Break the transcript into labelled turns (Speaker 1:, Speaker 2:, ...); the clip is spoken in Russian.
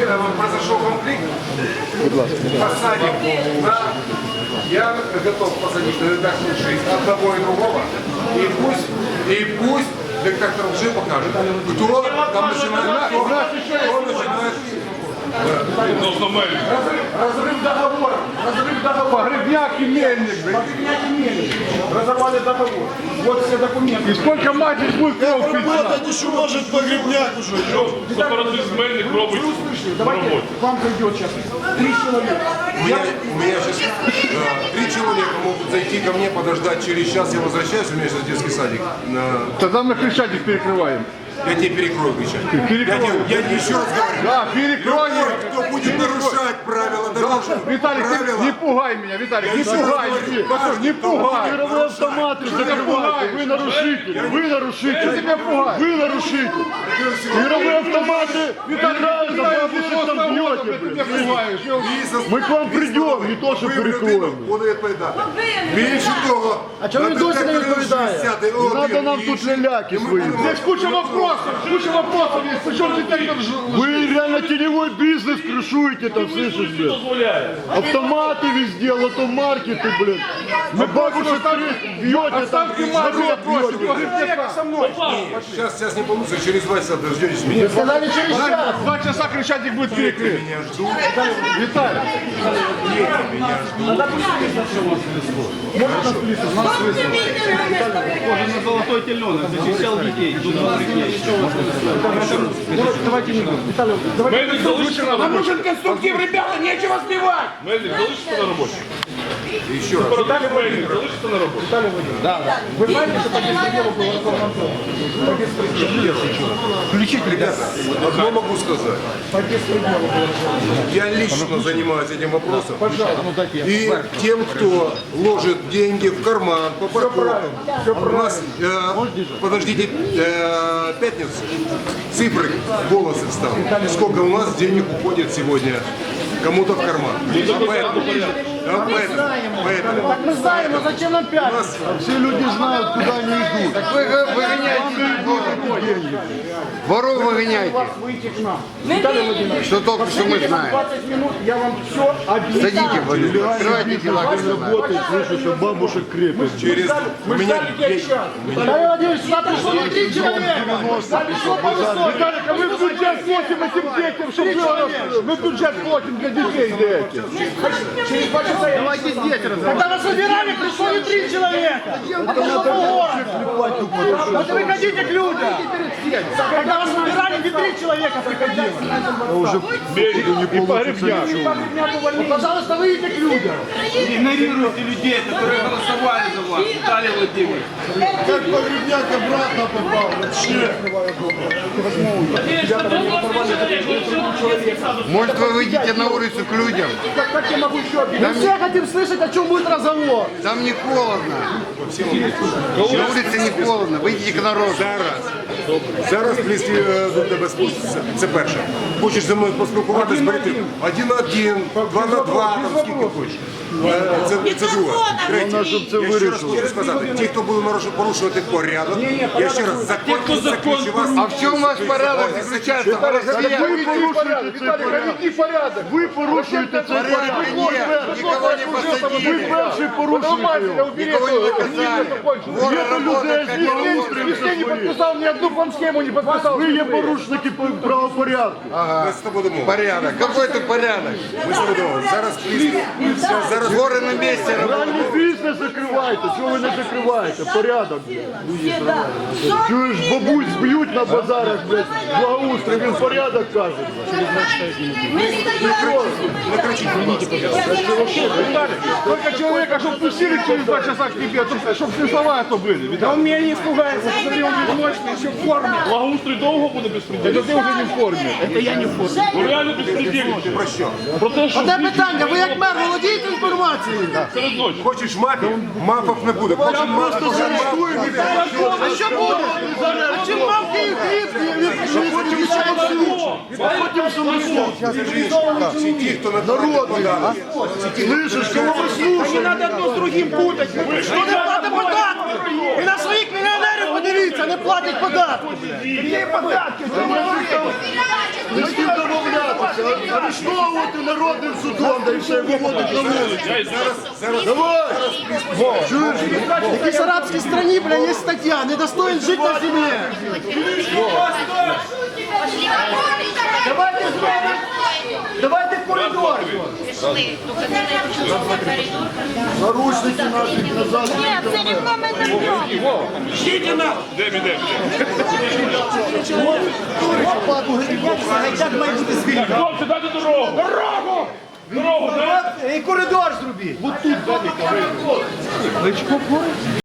Speaker 1: произошел конфликт, посадим, да, я готов посадить на редакцию жизнь одного и другого, и пусть детектор лжи покажет, кто там начинает, кто начинает. Разрыв договора. Погребняк и мельник. Разорвали договор. Вот все документы. И сколько мать будет кровь пить?
Speaker 2: Это еще может погребняк уже.
Speaker 3: Сепаратист мельник робить.
Speaker 1: Давайте, к вам придет сейчас 3 человека. У меня сейчас 3 человека могут зайти ко мне, подождать через час. Я возвращаюсь, у меня сейчас детский садик.
Speaker 4: Тогда мы Крещатик перекрываем.
Speaker 1: Я тебе перекрою кричать. Я еще раз говорю.
Speaker 4: Да, перекрой.
Speaker 1: Кто будет нарушать правила дорожного?
Speaker 4: Виталик, ты не пугай меня, Виталик, не пугай. Не пугай.
Speaker 2: Мировые автоматы закрывают. Вы нарушитель. Вы нарушитель.
Speaker 4: Тебя пугай.
Speaker 2: Вы нарушитель. Мировые автоматы играют, а бабушек там бьете, блин. Мы к вам придем, не то, что перекроем.
Speaker 1: Вони відповідати. Більше того,
Speaker 2: А чому ви досі не відповідаєте? Не треба нам тут ляляки свої.
Speaker 4: Здесь куча вопросов есть. Причем детектор
Speaker 2: Вы реально теневой бизнес крышуете там, слышишь, блин? Автоматы везде, лотомаркеты, блин. Мы бабушек бьете, там народ бьете.
Speaker 4: со мной.
Speaker 1: Сейчас не получится, через 2 часа дождетесь меня.
Speaker 2: Сказали через час.
Speaker 4: 2 часа Крещатик будет перекрыт.
Speaker 1: Меня ждут.
Speaker 4: Виталик.
Speaker 1: Меня ждут.
Speaker 5: Похоже на золотой теленок, защищал детей.
Speaker 4: Давайте не будем. Виталий,
Speaker 3: Мельник залишиться на
Speaker 4: нам
Speaker 3: роботі.
Speaker 4: нужен конструктив, ребята, нечего сбивать.
Speaker 3: Мельник залишиться на роботі.
Speaker 1: Еще раз.
Speaker 3: Сепаратист мельник залишиться на роботі.
Speaker 4: Вы знаете, что по беспределу был Росомнадзор? По беспределу.
Speaker 1: Включите, ребята. Одно могу сказать.
Speaker 4: По беспределу был.
Speaker 1: Я лично занимаюсь этим вопросом. И тем, кто ложит деньги в карман по парковкам. У нас, подождите, пятница. Цифры, волосы встанут. Сколько у нас денег уходит сегодня кому-то в карман. Поэтому.
Speaker 2: Так мы знаем, но зачем нам пятница? Все люди знают, куда они идут.
Speaker 6: Так вы выгоняете деньги. Воров выгоняйте.
Speaker 4: Выйти к нам. Виталий Владимирович,
Speaker 6: Что только что мы знаем.
Speaker 4: 20 минут я вам все объясню.
Speaker 6: Садите, Владимир, открывайте дела.
Speaker 2: Работает, слышу, что бабушек крепят.
Speaker 1: Через
Speaker 4: Мы ждали тебя час.
Speaker 2: Виталий Владимирович, сюда пришло на 3 человека.
Speaker 4: Виталик, а мы бюджет платим этим детям, чтобы было... Мы бюджет платим для детей для этих. Через 2 часа я...
Speaker 2: Давайте здесь разобрать. Когда нас выбирали, пришло не 3 человека, а пришло полгорода. Вот вы ходите к людям. Когда нас выбирали, не 3 человека приходило.
Speaker 4: Уже и погребняк.
Speaker 2: Вот, пожалуйста, выйдите к людям.
Speaker 5: Игнорируйте людей, которые голосовали за вас, Виталий Владимирович.
Speaker 2: Как погребняк обратно попал, вообще.
Speaker 6: Может, вы выйдете на улицу к людям?
Speaker 4: Как я могу еще объяснить?
Speaker 2: Мы все хотим слышать, о чем будет разговор.
Speaker 6: Там не холодно. На улице не холодно. Выйдите к народу.
Speaker 1: Зараз близькі до тебе спустяться. Це перше. Хочеш зі мною поспілкуватися, берете 1-1, 2-2, там скільки хочеш. Це друге. Третє. Я ще раз хочу сказати, ті, хто буде порушувати порядок, я ще раз, закон заключу вас.
Speaker 6: А в чем ваш порядок заключается?
Speaker 4: Вы порядок, Виталик, наведи порядок.
Speaker 2: Ви порушуєте цей порядок.
Speaker 6: Нет, никого не
Speaker 2: Ви
Speaker 6: посадили.
Speaker 2: перший порушуєте його.
Speaker 6: Никого не наказали. Воры работают как
Speaker 4: Если не подписал, ни одну схему не подписал.
Speaker 2: Ви є порушники правопорядку.
Speaker 1: Ми з тобою домовилися.
Speaker 6: Порядок. Какой это порядок?
Speaker 1: Ми з тобою домовилися. Зараз зараз
Speaker 6: Воры на месте работают.
Speaker 2: Реальний бізнес закривайте. Чого ви не закриваєте? Порядок. Чуєш, бабусь б'ють на базарах, блядь, благоустрій, він порядок каже.
Speaker 1: не кричіть, будь ласка.
Speaker 4: Только человека, чтобы пустили через 2 часа к тебе, чтобы смысловая то были. Да он меня не испугается, смотри, он безмощный, еще в форме.
Speaker 3: Благоустрій довго буде безпредельний?
Speaker 4: Это ты уже не в форме. Это я не в форме.
Speaker 3: Ну реально безпредельний.
Speaker 1: Про що?
Speaker 3: Про те, що
Speaker 2: Одне питання, ви як мер володієте інформацією?
Speaker 3: серед ночі.
Speaker 1: Хочеш мафів? Мафів не буде. Хочеш мафів?
Speaker 2: А що буде? А чим мавки і хліб? Потім Потім
Speaker 1: Всі ті, хто народ подали.
Speaker 2: Слышиш, кого ви слушаєте?
Speaker 4: Не надо одно с другим путать.
Speaker 2: Хто не платить податки? І на своїх мільйонерів подивіться, не платять податки.
Speaker 4: Какие податки?
Speaker 2: Не з ким домовлятися. арештовувати народним судом, да і все, виводить на вулицю. Давай! Чуєш?
Speaker 7: В якійсь арабській страні, бля, є стаття, недостоин жити на землі. Давайте зробимо, давайте коридор.
Speaker 2: Наручники наші назад.
Speaker 8: Це рівно ми заб'ємо.
Speaker 7: Гайдак має бути звільнений.
Speaker 3: Хлопці, дайте дорогу! Дорогу! Дорогу, дайте!
Speaker 7: І коридор зробіть.